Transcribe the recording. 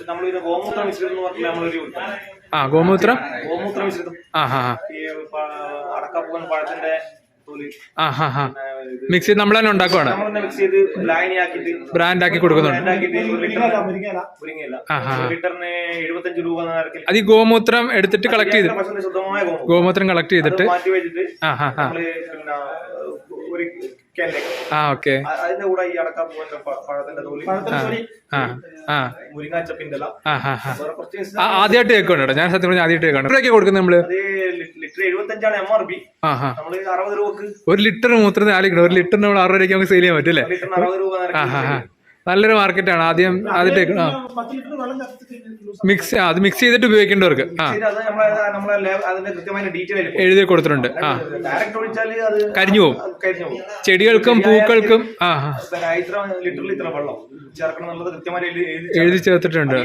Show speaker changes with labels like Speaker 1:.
Speaker 1: നമ്മളിത് ഗോമൂത്ര മിശ്രിതം എന്ന് പറഞ്ഞാൽ നമ്മളൊരു
Speaker 2: ഗോമൂത്രം
Speaker 1: മിശ്രിതം ഈ അടക്കപ്പൂവൻ പഴത്തിന്റെ
Speaker 2: മിക്സ് ചെയ്ത് നമ്മൾ തന്നെ ഉണ്ടാക്കുവാണ്,
Speaker 1: മിക്സ് ചെയ്ത് ലായനിയാക്കിട്ട്
Speaker 2: ബ്രാൻഡ് ആക്കി കൊടുക്കുന്നുണ്ട്.
Speaker 1: ലിറ്ററിന് 75 രൂപ.
Speaker 2: അത് ഈ ഗോമൂത്രം എടുത്തിട്ട് കളക്ട് ചെയ്ത്
Speaker 1: ശുദ്ധമായ
Speaker 2: ഗോമൂത്രം കളക്ട് ചെയ്തിട്ട്
Speaker 1: മാറ്റി വെച്ചിട്ട് ഒരു
Speaker 2: ഓക്കെ
Speaker 1: അതിന്റെ കൂടെ ഈ അടക്കപ്പൂവന്റെ പഴത്തിന്റെ തോലി, മുരിങ്ങാച്ചപ്പിന്റെ
Speaker 2: ആദ്യമായിട്ട് കേൾക്കണം. ഞാൻ സത്യം പറഞ്ഞാൽ ആദ്യമായിട്ട് കേൾക്കണം. എത്രയൊക്കെ കൊടുക്കുന്നത് നമ്മള്?
Speaker 1: Litre 75 MRP. നമ്മള് 60 രൂപക്ക്
Speaker 2: ഒരു ലിറ്റർ മൂത്രത്തിന് 4 കിലോ. ഒരു ലിറ്ററിന് നമ്മൾ 60 രൂപയ്ക്ക് നമുക്ക് സെയിൽ ചെയ്യാൻ പറ്റും അല്ലേ?
Speaker 1: ലിറ്ററിന് 60 രൂപ.
Speaker 2: നല്ലൊരു മാർക്കറ്റാണ്. ആദ്യമായിട്ട് മിക്സ് ചെയ്തിട്ട് ഉപയോഗിക്കേണ്ടവർക്ക് എഴുതി കൊടുത്തിട്ടുണ്ട്. കരിഞ്ഞു പോകും ചെടികൾക്കും പൂക്കൾക്കും.
Speaker 1: ലിറ്ററിൽ ഇത്ര വെള്ളം ചേർക്കണം എന്നുള്ളത് കൃത്യമായി
Speaker 2: എഴുതി ചേർത്തിട്ടുണ്ട്.